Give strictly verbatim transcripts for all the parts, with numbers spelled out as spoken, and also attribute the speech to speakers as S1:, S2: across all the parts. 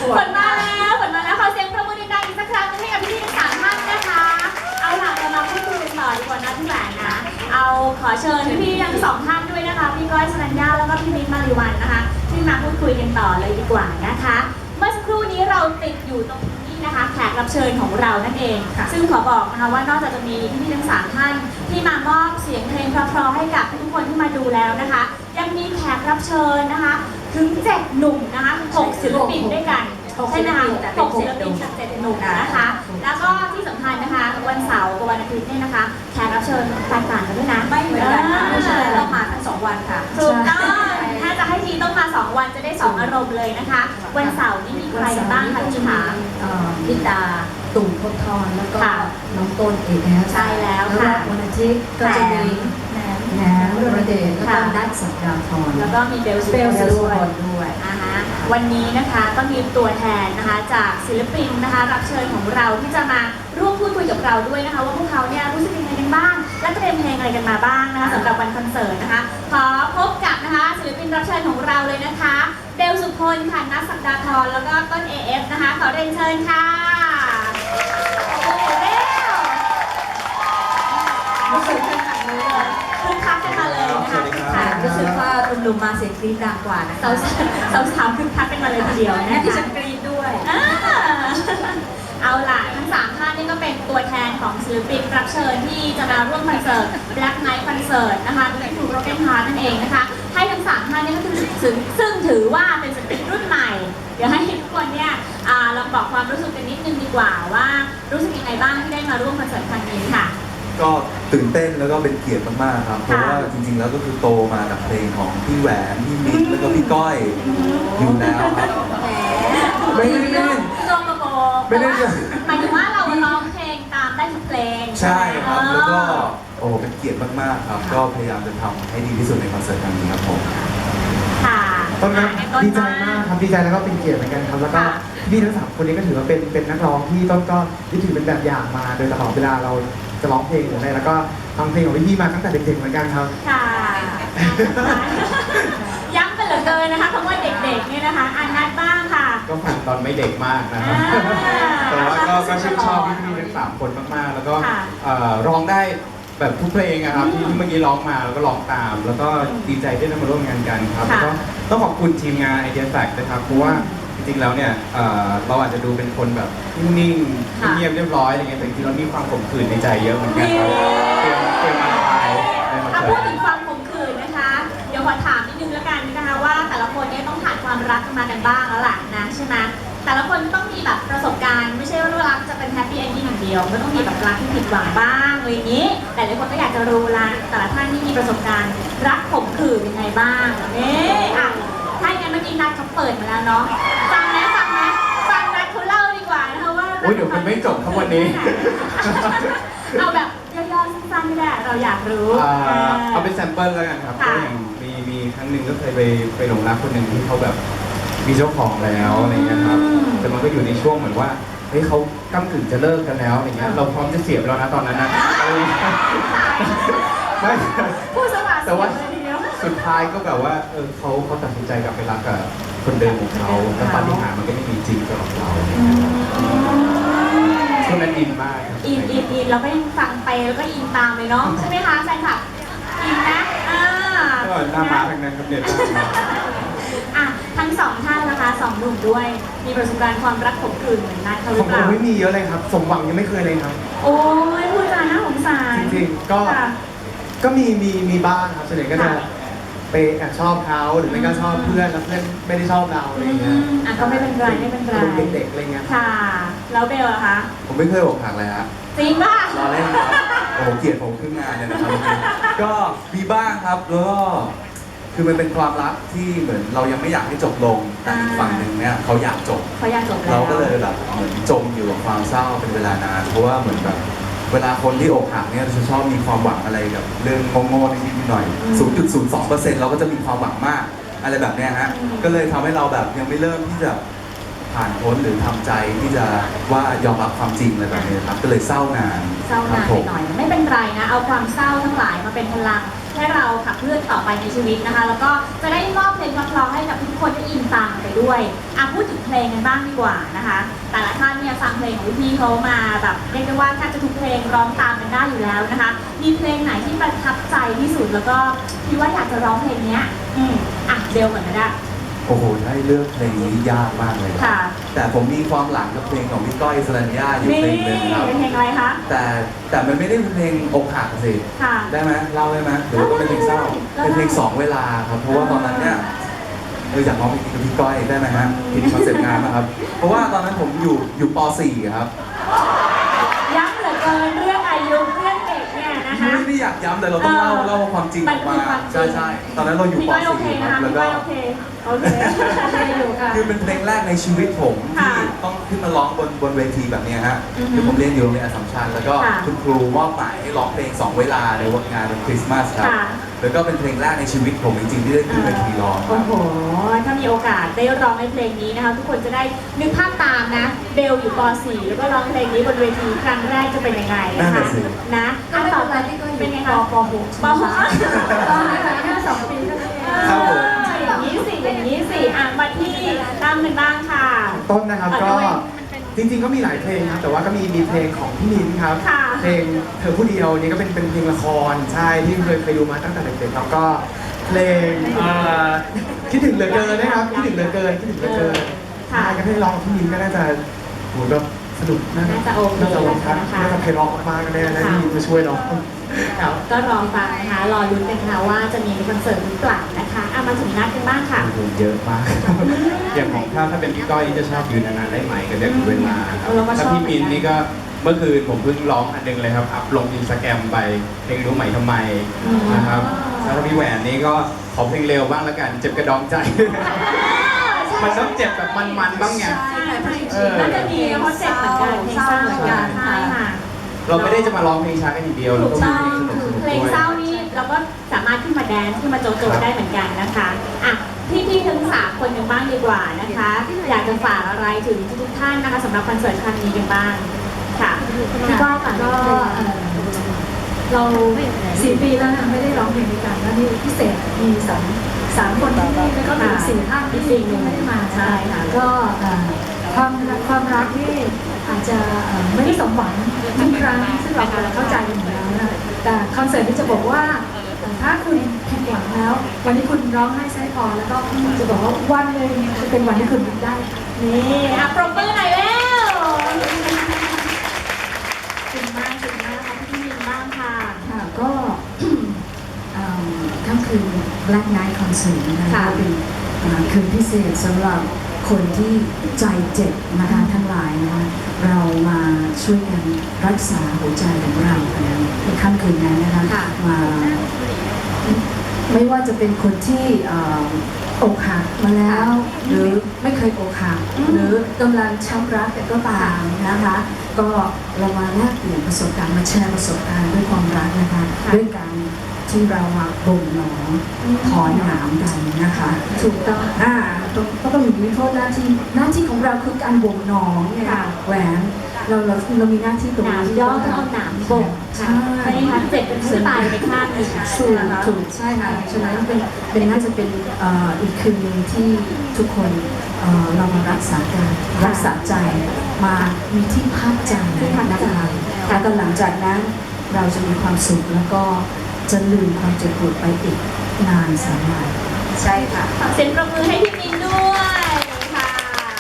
S1: ฝนมาแล้วฝนมาแล้วขอเสียงประมือดังๆอีกสักครั้งนึงให้กับพี่ๆทั้งสามท่านนะคะเอาล่ะเรามาพูดคุยกันต่อดีกว่านะพี่แหวนนะเอาขอเชิญพี่ๆทั้งสองท่านด้วยนะคะพี่ก้อยสรัญญาแล้วก็พี่มิ้นท์มาริวันนะคะที่มาพูดคุยกันต่อเลยดีกว่านะคะเมื่อสักครู่นี้เราติดอยู่ตรงนี้นะคะแขกรับเชิญของเรานั่นเองซึ่งขอบอกนะคะว่านอกจากจะมีพี่ๆทั้งสามท่านที่มามอบเสียงเพลงเพราะๆให้กับทุกคนที่มาดูแล้วนะคะยังมีแขกรับเชิญนะคะถึงเจ็ดหนุ่มนะคะหกศิลปินด้วยกันใช่ไหมคะหกศิลปินจากเจ็ดหนุ่มนะคะแล้วก็ที่สำคัญนะคะวันเสาร์กับวันอาทิตย์เนี่ยนะคะแขกรับเชิญแตกต่างกันด้วยนะ
S2: ไม่เหมือนกันค่ะไม่ใช่ต้องมาทั้งสองวันค่ะ
S1: ถูกต้องถ้าจะให้ทีต้องมาสองวันจะได้สองอารมณ์เลยนะคะวันเสาร์นี่มีใครบ้างคะพี่ขา
S2: พิตาตุ่มพบทรแล้วก็น้องต้นเอกนะ
S1: ใช่แล้วค่ะ
S2: วันอาทิตย์ก็จะมีแหนมระเดชแล้วก็นัทสัปดาห์ทร
S1: แล้วก็มีเบลส์เบลส์ด้วยนะคะวันนี้นะคะก็มีตัวแทนนะคะจากศิลปินนะคะรับเชิญของเราที่จะมาร่วมพูดคุยกับเราด้วยนะคะว่าพวกเขาเนี่ยรู้สึกยังไงกันบ้างและเตรียมเพลงอะไรกันมาบ้างนะคะสำหรับวันคอนเสิร์ตนะคะขอพบกับนะคะศิลปินรับเชิญของเราเลยนะคะเบลสุพลค่ะนัทสัปดาห์ทรแล้วก็ต้น เอ เอฟ นะคะขอเรียนเชิญค่ะโอ้โหเร็วรู้สึกคึกคักเลยคึกคักกันมาเลยนะคะคึกคัก
S2: รู้สึกว่าหนุ่มๆมาเสียงกรี๊ดดังกว่านะ
S1: สาวสาวสาวคึกคักกันมาเลยทีเดียวนะ
S2: ที่ฉันกรี๊ดด้วย
S1: เอาล่ะทั้งสามท่านนี่ก็เป็นตัวแทนของศิลปินรับเชิญที่จะมาร่วมคอนเสิร์ต Black Night Concert นะคะที่ถูกโรเกนฮาร์นั่นเองนะคะให้ทั้งสามท่านนี่ก็คือซึ่งถือว่าเป็นศิลปินรุ่นใหม่เดี๋ยวให้ทุกคนเนี่ยลองบอกความรู้สึกกันนิดนึงดีกว่าว่ารู้สึกยังไงบ้างที่ได้มาร่วมคอนเสิร์ตครั้งนี้ค่ะ
S3: ก็ตื่นเต้นแล้วก็เป็นเกียรติมากๆครับเพราะว่าจริงๆแล้วก็คือโตมากับเพลงของพี่แหวนพี่มิ้นแล้วก็พี่ก้อยอยู่แล้วครับไม่ได้ไม่ได้
S1: โจมโบไม่ได้หมายถึงว่าเราร้องเพลงตามได้ทุกเพลง
S3: ใช่ครับแล้วก็โอ้เป็นเกียรติมากๆครับก็พยายามจะทำให้ดีที่สุดในคอนเสิร์ตครั้งนี้ครับผม
S1: ค่ะ
S4: ต้นครับดีใจมากครับดีใจแล้วก็เป็นเกียรติเหมือนกันครับแล้วก็พี่ทั้งสามคนนี้ก็ถือว่าเป็นเป็นนักร้องที่ต้นก็ยึดถือเป็นแบบอย่างมาโดยตลอดเวลาเราจะร้องเพลงหรืออะไรแล้วก็ฟังเพลงของพี่ๆมาตั้งแต่เด็กๆเหมือนกันครับ
S1: ค่ะย้ำไปเหลือเกินนะคะคำว่าเด็กๆเนี่ยนะคะอันนัดบ้างค่ะ
S4: ก็ฟังตอนไม่เด็กมากนะครับแต่ว่าก็ก็ชื่นชอบพี่ๆทั้งสามคนมากๆแล้วก็ร้องได้แบบทุกเพลงนะครับที่เมื่อกี้ร้องมาแล้วก็ร้องตามแล้วก็ดีใจที่ได้มาร่วมงานกันครับแล้วก็ต้องขอบคุณทีมงาน Idea Fact นะครับเพราะว่าจริงๆแล้วเนี่ยเราอาจจะดูเป็นคนแบบนิ่งๆเงียบเรียบร้อยอะไรเงี้ยแต่จริงๆเรามีความขมขื่นในใจเยอะเหมือนกันครับเตรียมเตรียมมาระบาย
S1: ถ้าพูดถึงความขมขื่นนะคะเดี๋ยวขอถามนิดนึงแล้วกันนะคะว่าแต่ละคนเนี่ยต้องผ่านความรักมากันบ้างแล้วล่ะนะใช่ไหมแต่ละคนต้องมีแบบประสบการณ์ไม่ใช่ว่ารักจะเป็นแฮปปี้เอนดิ้งอย่างเดียวก็ต้องมีแบบรักที่ผิดหวังบ้างอะไรอย่างนี้แต่หลายคนก็อยากจะรู้ละแต่ละท่านที่มีประสบการณ์รักขมขื่นยังไงบ้างเนี่ยอ่ะถ้าอย่างนั้นเมื่อกี้นัดเขาเปิดมาแล้วเนาะฟังนะฟังนะฟังนัดเขาเล่าดีกว่านะคะว่า
S4: โอ้ยเดี๋ยวมันไม่จบทั้งวันนี้
S1: เอาแบบย่อๆสั้นๆไม่ได้เราอยากรู้
S4: เอาเป็นแซมเปิลแล้วกันครับก็อย่างมีมีครั้งหนึ่งก็เคยไปไปหลงรักคนหนึ่งที่เขาแบบมีเจ้าของแล้วอะไรเงี้ยครับแต่มันก็อยู่ในช่วงเหมือนว่าเฮ้ยเขาก้ำกึ่งจะเลิกกันแล้วอะไรเงี้ยเราพร้อมจะเสียบแล้วนะตอนนั้นนะไม่แต่ว่าสุดท้ายก็แบบว่าเออเขาเขาตัดสินใจกลับไปรักกับคนเดิมของเขาแล้วปาฏิหาริย์มันก็ไม่มีจริงสำหรับเราช่วงนั้นอินมาก
S1: อินอินอินเราก็ยังฟังไปแล้วก็อินตามเลยเนาะใช่ไหมคะแฟนคลับอินนะอ่า
S4: ก็หน้าม้าทั้งนั้นครับเนี่ย
S1: อ่ะทั้งสองท่านนะคะสองหนุ่มด้วยมีประสบการณ์ความรักขมขื่นเหมือนนัทเขาหรือเปล่า
S4: ไม่มีเยอะเลยครับสมหวังยังไม่เคยเลยครับ
S1: โอ้ยพูดจาน่าสงสาร
S4: จริงๆก็ก็มีมีมีบ้างครับส่วนใหญ่ก็จะไปแอบชอบเขาหรือไม่ก็ชอบเพื่อนแล้วเพื่อนไม่ได้ชอบเราอะไรเงี้ย
S1: อ่ะก็ไม่เป็นไรไม่เป็นไร
S4: เด็กๆอะไรเงี้ย
S1: ค่ะแล้วเบลล่ะคะ
S3: ผมไม่เคยอกหักเลยฮะ
S1: จริงป่ะ
S3: รอเล่นครับโอ้เกลียดผมขึ้นงานเลยนะครับก็มีบ้างครับแล้วก็คือมันเป็นความรักที่เหมือนเรายังไม่อยากให้จบลงแต่อีกฝั่งหนึ่งเนี่ยเขาอยากจบ
S1: เขาอยากจบ
S3: เราก็เลยแบบเหมือนจมอยู่กับความเศร้าเป็นเวลานานเพราะว่าเหมือนแบบเวลาคนที่อกหักเนี่ยจะชอบมีความหวังอะไรกับเรื่องโง่ๆนิดๆหน่อย ศูนย์จุดศูนย์สองเปอร์เซ็นต์ เราก็จะมีความหวังมากอะไรแบบนี้ฮะก็เลยทำให้เราแบบยังไม่เริ่มที่จะผ่านพ้นหรือทำใจที่จะว่ายอมรับความจริงอะไรแบบนี้ครับก็เลยเศร้านาน
S1: เศร้านานไปหน่อยไม่เป็นไรนะเอาความเศร้าทั้งหลายมาเป็นพลังให้เราขับเคลื่อนต่อไปในชีวิตนะคะ แล้วก็จะได้มอบเพลงเพราะๆให้กับทุกคนได้อินตามไปด้วยอ่ะพูดถึงเพลงกันบ้างดีกว่านะคะ แต่ละท่านเนี่ยฟังเพลงของพี่ๆเขามาแบบเรียกได้ว่าแทบจะทุกเพลงร้องตามกันได้อยู่แล้วนะคะ มีเพลงไหนที่ประทับใจที่สุดแล้วก็คิดว่าอยากจะร้องเพลงเนี้ยอืมอ่ะเบลก่อนก็ได้
S3: โอ้โหให้เลือกเพลงนี้ยากมากเลยครับ
S1: ค่ะ
S3: แต่ผมมีความหลังกับเพลงของพี่ก้อยสรัญญาอยู่
S1: นี่
S3: เพลงหนึ่งครับ
S1: เป็นเพลงอะไรคะ
S3: แต่แต่มันไม่ได้เป็นเพลงอกหักสิ
S1: ค่ะ
S3: ได้ไหมเล่าได้ไหมหรือว่าเป็นเพลงเศร้า
S1: ได้
S3: เป็นเพลงสองเวลาครับเพราะว่าตอนนั้นเนี่ยเอออยากร้องเพลงนี้กับพี่ก้อยได้ไหมฮะผิดคอนเซ็ปต์งานนะครับ เพราะว่าตอนนั้นผมอยู่อยู่ป .สี่ ครับ
S1: ย้ำเหลือเกินเรื่องอายุเรื่องเด็กเนี่ยนะคะ
S3: ไม่ได้อยากย้ำแต่เราต้องเล่า
S1: เออ
S3: เล่าความจริงออกมา
S1: มันคือความจริง
S3: ใช่ใช่ตอนนั้นเราอยู่
S1: พี่
S3: ป
S1: ก้อยโอเค
S3: .สี่ ค
S1: นะ
S3: รับ
S1: คะ
S3: แล้ว
S1: พี่
S3: ก็
S1: ก้อยโอเคโอเคโอเคอยู่ค่ะ
S3: คือเป็นเพลงแรกในชีวิตผม
S1: ค่ะ
S3: ที่ต้องขึ้นมาร้องบนบนเวทีแบบเนี้ยฮะ
S1: อือฮึ
S3: คือผมเรียนอยู่โรงเรียนอัสสัมชัญแล้วก็
S1: ค่ะ
S3: คุณครูมอบหมายให้ร้องเพลงสองเวลาในวันงานวันคริสต์มาสครับ
S1: ค่ะ
S3: แล้วก็เป็นเพลงแรกในชีวิตผมจริงๆที่ได้ขึ้นเวทีร้องค
S1: โอ้
S3: รับ
S1: โห ถ้ามีโอกาสได้ร้องในเพลงนี้นะคะ ทุกคนจะได้นึกภาพตามนะ เบลอยู่ป .สี่ แล้วก็ร้องเพลงนี้บนเวทีครั้งแรกจะเป็นยังไงนะคะนะ
S2: ก็
S1: อัน
S2: ไม่
S1: ต่อ
S2: เป็น
S1: ไป
S2: ไรที่ก็อยู่
S1: เป็นไง
S2: ป
S1: คะ
S2: ป .หก
S1: ป .หก
S2: ตอนนี้แค่สองปีเท่านั้นเอง
S3: ครับผม
S1: อย่างนี้สิ อย่างนี้สิ อ่ะมาที่ตั้มกันบ้างค่ะ
S5: ต้นนะครับ
S1: อ่ะ
S5: ก็
S1: ด้วย
S5: จริงๆก็มีหลายเพลงครับแต่ว่าก็มีมีเพลงของพี่มิ้นครับ
S1: ค่ะ
S5: เพลงเธอผู้เดียวนี่ก็เป็นเป็นเพลงละครใช่ที่เคยเคยดูมาตั้งแต่เด็กๆครับก็เพลงเอ่อคิดถึงเหลือเกินนะครับคิดถึงเหลือเกินคิดถึงเหลือเกิน
S1: ค่ะ
S5: ใช่ก็ให้ร้องกับพี่มิ้นก็น่าจะโหแบบสนุกน่า
S1: น่าจะโอเค
S5: น่าจะร้องครับ
S1: นะคะ
S5: น่าจะเพลงร้องมากๆแน่ๆนะ
S1: ค่ะ
S5: ที่มิ้นมาช่วยร้องครับ
S1: ก็รอฟังนะคะ รอลุ้นกันค่ะว่าจะมีคอนเสิร์ตหรือเปล่านะคะอ่ะมาถึงนัดกันบ้างค่ะ
S4: เยอะมาก อย่างของถ้าถ้าเป็นพี่ก้อยนี่จะชอบยืนนานๆได้ไหมก็เรียกถึงเวลาครับ
S1: เราก็ชอบ
S4: ถ้าพี่มินนี่ก็เมื่อคืนผมเพิ่งร้องอันหนึงเลยครับ อัพลงอินสตาแกรมไปเพลงรู้ไหมทำไมนะครับแล้วถ้าพี่แหวนนี่ก็ขอเพลงเร็วบ้างละกัน เจ็บกระดองใจ มันต้องเจ็บแบบมันๆบ้างไง
S2: ใช่เพลง
S4: เออ
S1: น่าจะมีเพราะเจ็บเหมือนกันเพลงเศร้าเหมือนกันใช่ค่ะ
S4: เราไม่ได้จะมาร้องเพลงช้ากันอย่างเดียวเรา
S1: ถูก
S4: ก็
S1: ต้
S4: มี
S1: อง
S4: เพลงสนุกๆ
S1: เพลง
S4: ด้วย
S1: เศร้านี่เราก็สามารถขึ้นมาแดนซ์ขึ้นมาโจโจได้เหมือนกันนะคะอ่ะพี่พี่ๆทั้งสามคนกันบ้างดีกว่านะคะ อยากจะฝากอะไรถึงทุกๆท่านนะคะสำหรับคอนเสิร์ตครั้งนี้กันบ้างค่ะพี่ก้อยก่อน
S2: ก็เอ่อเราสี่ปีแล้วนะไม่ได้ร้องเพลงด้วยกันแล้วนี่พิเศษมีสามสามคนที่นี่แล้วก็มีสี่ท่านที่ที่ไม่ได้มานะ
S1: ใช่ค่ะ
S2: ก็เอ่อความความรักนี่อาจจะเอ่อไม่ได้สมหวังทุกครั้งซึ่งเราเข้าใจอยู่แล้วนะแต่คอนเสิร์ตที่จะบอกว่าถ้าคุณผิดหวังแล้ว วันนี้คุณร้องไห้ไส้พอแล้วก็จะบอกว่าวันหนึ่งจะเป็นวันที่คุณยิ้มได้
S1: นี่อ่ะปรบมือหน่อยแล้วขอบคุณมากขอบคุณมากค่ะพี่มินบ้างค่ะ
S2: ค่ะก็ เอิ่มค่ำคืน Black Night Concert นะคะ
S1: ค่ะ
S2: เป็นเอ่อคืนพิเศษสำหรับคนที่ใจเจ็บนะคะทั้งหลายนะคะเรามาช่วยกันรักษาหัวใจของเราในค่ำคืนนั้นนะคะ
S1: ค่ะ
S2: มาไม่ว่าจะเป็นคนที่เอ่ออกหักมาแล้ว หรือไม่เคยอกหัก
S1: อืม
S2: หรือกำลังช้ำรักแต่ก็ตามนะคะ ก็เรามาแลกเปลี่ยนประสบการณ์มาแชร์ประสบการณ์ด้วยความรักนะคะ ด้วยการที่เรามาบ่มหนอถอนหนามกันนะคะ ถูกต้องอ่าต้องก็ต้องมีโทษหน้าที่หน้าที่ของเราคือการบ่มหนองเนี่ย
S1: ค่ะ
S2: แหวนเราเราเรามีหน้าที่ตรง
S1: หนาม
S2: นี้
S1: ย่อต้องเอาหนามบ่ง
S2: ใช่
S1: ค่ะไม่ได้ทันเจ็บเป็นผู้ตายไปข้างหนึ่ง
S2: ถูกถูกใช่ค่ะฉะนั้นเป็นเป็นน่าจะเป็นเอ่ออีกคืนหนึงที่ทุกคนเอ่อเรามารักษาการรักษาใจมามีที่พักใจนะคะแล้วก็หลังจากนั้นเราจะมีความสุขแล้วก็จะลืมความเจ็บปวดไปอีกนานแสนนานใช่ค่ะ
S1: ขอเสียงปรบมือให้พี่มินด้วยค่ะ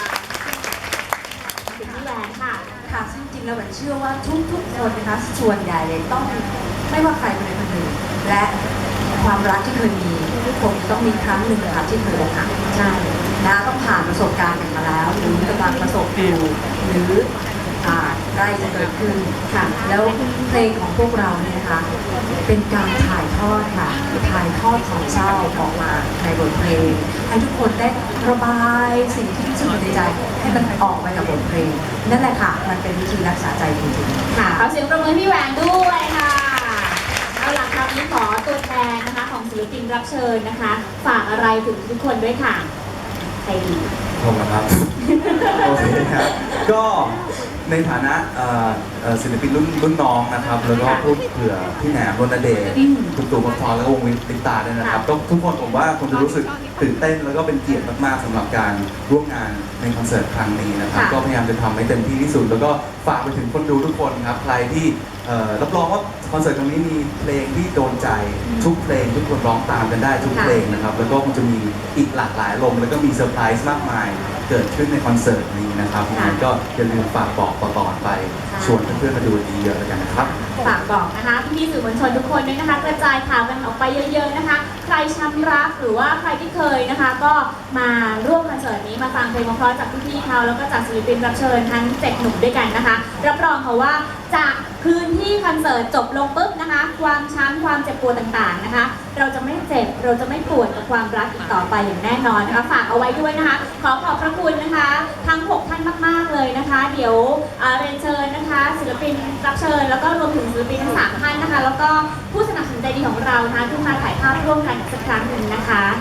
S1: ถึงพี่แหวนค่ะ
S6: ค่ะซึ่งจริงๆแล้วแหวนเชื่อว่าทุกๆคนนะคะส่วนใหญ่เลยต้องไม่ว่าใครคนใดคนหนึ่งและความรักที่เคยมีทุกคนต้องมีครั้งหนึ่งนะคะที่เคยอกหักใช่นะต้องผ่านประสบการณ์กันมาแล้ว หรือกำลังประสบอยู่หรืออ่าใกล้จะเกิดขึ้นค่ะแล้วเพลงของพวกเราเนี่ยนะคะเป็นการถ่ายทอดค่ะถ่ายทอดความเศร้าออกมาในบทเพลง ให้ทุกคนได้ระบายสิ่งที่รู้สึกในใจให้มันออกไปกับบทเพลง นั่นแหละค่ะ มันเป็นวิธีรักษาใจจริงๆ
S1: ค่ะขอเสียงปรบมือให้พี่แหวนด้วยค่ะ เอาล่ะคราวนี้ขอตัวแทนนะคะของศิลปินรับเชิญนะคะ ฝากอะไรถึงทุกคนด้วยค่ะ ใครดี
S3: ผมนะครับ โอเคครับ ก็ในฐานะเอ่อเอ่อศิลปินรุ่นรุ่นน้องนะครับแล้วก็พูดเผื่อพี่แหนมรณเดช
S1: อืม
S3: คุณตู่พบทรแล้วก็วงวิลิตาด้วยนะครับก็ทุกคนผมว่าคงจะรู้สึกตื่นเต้นแล้วก็เป็นเกียรติมากๆสำหรับการร่วมงานในคอนเสิร์ตครั้งนี้นะครับ
S1: ค่ะ
S3: ก็พยายามจะทำให้เต็มที่ที่สุด แล้วก็ฝากไปถึงคนดูทุกคนครับใครที่เอ่อรับรองว่าคอนเสิร์ตครั้งนี้มีเพลงที่โดนใจทุกเพลงทุกคนร้องตามกันได้ทุกเพลงนะครับแล้วก็คงจะมีอีกหลากหลายอารมณ์แล้วก็มีเซอร์ไพรส์มากมายเกิดขึ้นในคอนเสิร์ตนี้นะครับยังไงก็อย่าลืมฝากบอกต่อๆไปชวนเพื่อนๆมาดูดีเยอะแล้วกันนะครับ
S1: ฝากบอกนะคะพี่ๆสื่อมวลชนทุกคนด้วยนะคะ กระจายข่าวกันออกไปเยอะๆนะคะ ใครช้ำรักหรือว่าใครที่เคยนะคะ ก็มาร่วมคอนเสิร์ตนี้มาฟังเพลงเพราะๆจากพี่ๆเขาแล้วก็จากศิลปินรับเชิญทั้งเจ็ดหนุ่มด้วยกันนะคะ รับรองค่ะว่าจากคืนที่คอนเสิร์ตจบลงปุ๊บนะคะ ความช้ำความเจ็บปวดต่างๆนะคะ เราจะไม่เจ็บเราจะไม่ปวดกับความรักอีกต่อไปอย่างแน่นอนนะคะฝากเอาไว้ด้วยนะคะ ขอขอบพระคุณนะคะ ทั้งหกท่านมากๆเลยนะคะ เดี๋ยวเอ่อเรียนเชิญนะคะ ศิลปินรับเชิญแล้วก็รวมถึงศิลปินทั้งสามท่านนะคะ แล้วก็ผู้สนับสนุนใจดีของเรานะคะที่มาถ่ายภาพร่วมกันอีกสักครั้งหนึ่งนะคะ